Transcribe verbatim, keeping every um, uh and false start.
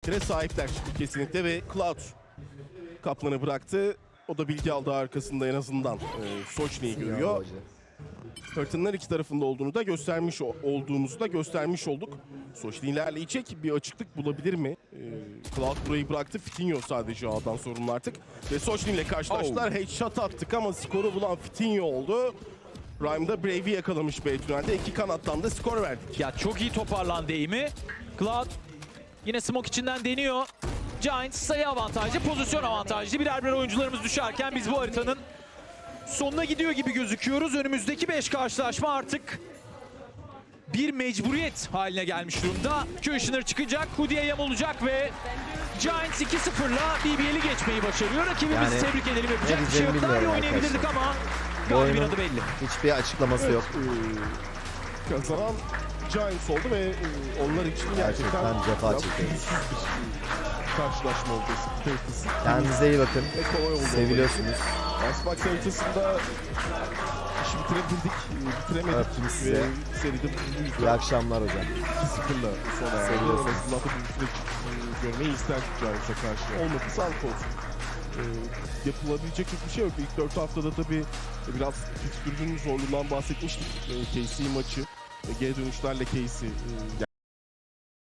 Kire sahipler kesinlikle ve Cloud Kaplan'ı bıraktı. O da bilgi aldı arkasında en azından. Ee, Sochni'yi görüyor. Fırtınalar iki tarafında olduğunu da göstermiş olduğumuzu da göstermiş olduk. Sochni ilerleyecek, bir açıklık bulabilir mi? Ee, Cloud burayı bıraktı. Fitinho sadece A'dan sorumlu artık. Ve Sochni ile karşılaştılar. Oh. Headshot attık ama skoru bulan Fitinho oldu. Prime'da Brave'i yakalamış B tünelde. İki kanattan da skor verdik. Ya çok iyi toparlandı eğimi. Cloud yine smoke içinden deniyor. Giants sayı avantajlı, pozisyon avantajlı. Birer birer oyuncularımız düşerken biz bu haritanın sonuna gidiyor gibi gözüküyoruz. Önümüzdeki beş karşılaşma artık bir mecburiyet haline gelmiş durumda. Kushner çıkacak, Hoodie'ye yam olacak ve Giants iki sıfırla B B L'i geçmeyi başarıyor. Rakibimizi Yani, tebrik edelim, yapacak bir şey yok. Daha iyi oynayabilirdik ama galibin adı belli. Hiçbir açıklaması Evet, yok. E, kazanan Giants oldu ve e, onlar için gerçekten, Gerçekten cefa biraz çekiyoruz. pürüzsüz bir e, karşılaşma oldu. Haritasız. Kendinize iyi bakın. Ve kolay oldu. Seviliyorsunuz. Xbox haritasında işi bitirebildik, e, bitiremedik. Öptüm size. Ve seride bu yüzden İyi akşamlar hocam. iki sıfırla sona erdi. En Seviyorsunuz. azından da bu süreç e, görmeyi isterdik Giants'a karşı. Olmadı, sağlık olsun. E, yapılabilecek hiçbir şey yok. İlk dört haftada tabii biraz fikstürünün zorluğundan bahsetmiştik. E, K C maçı, e, geri dönüşlerle K C e,